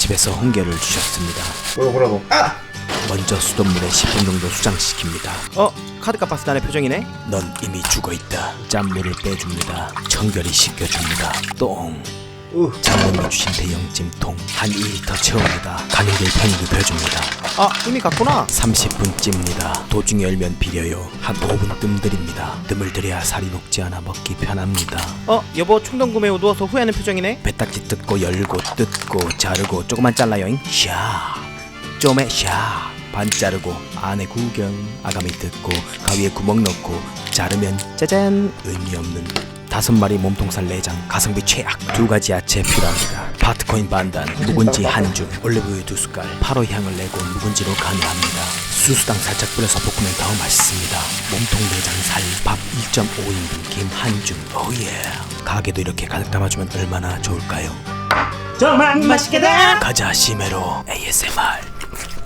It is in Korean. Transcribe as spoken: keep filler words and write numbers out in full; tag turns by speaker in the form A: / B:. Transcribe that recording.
A: 집에서 홍게를 주셨습니다.
B: 뭐라고 뭐라고? 아!
A: 먼저 수돗물에 십 분 정도 수장시킵니다. 어? 카드값 봤을 때의 표정이네? 넌 이미 죽어있다. 짠물을 빼줍니다. 청결히 씻겨줍니다. 똥.
B: 으.
A: 장모님이 주신 대형 찜통 한 이 리터 채웁니다. 가는 길 편히 눕혀줍니다. 아 이미 갔구나. 삼십 분 찝니다. 도중에 열면 비려요. 한 오 분 뜸들입니다. 뜸을 들여야 살이 녹지 않아 먹기 편합니다. 어 여보 충동 구매 후 누워서 후회하는 표정이네. 배딱지 뜯고 열고 뜯고 자르고 조금만 잘라요잉. 샤 좀에 샤 반 자르고 안에 구경 아가미 뜯고 가위에 구멍 넣고 자르면 짜잔 의미 없는 다섯 마리 몸통살 내장 가성비 최악. 두 가지 야채 필요합니다. 파트코인 반단 묵은지 한 줌 올리브유 두 숟갈 파로 향을 내고 묵은지로 간이합니다. 수수당 살짝 뿌려서 볶으면 더 맛있습니다. 몸통 내장 살 밥 일 점 오 인분 김 한 줌 오예. 가게도 이렇게 가득 담아주면 얼마나 좋을까요?
B: 정말 맛있겠다.
A: 가자 시메로 에이에스엠알.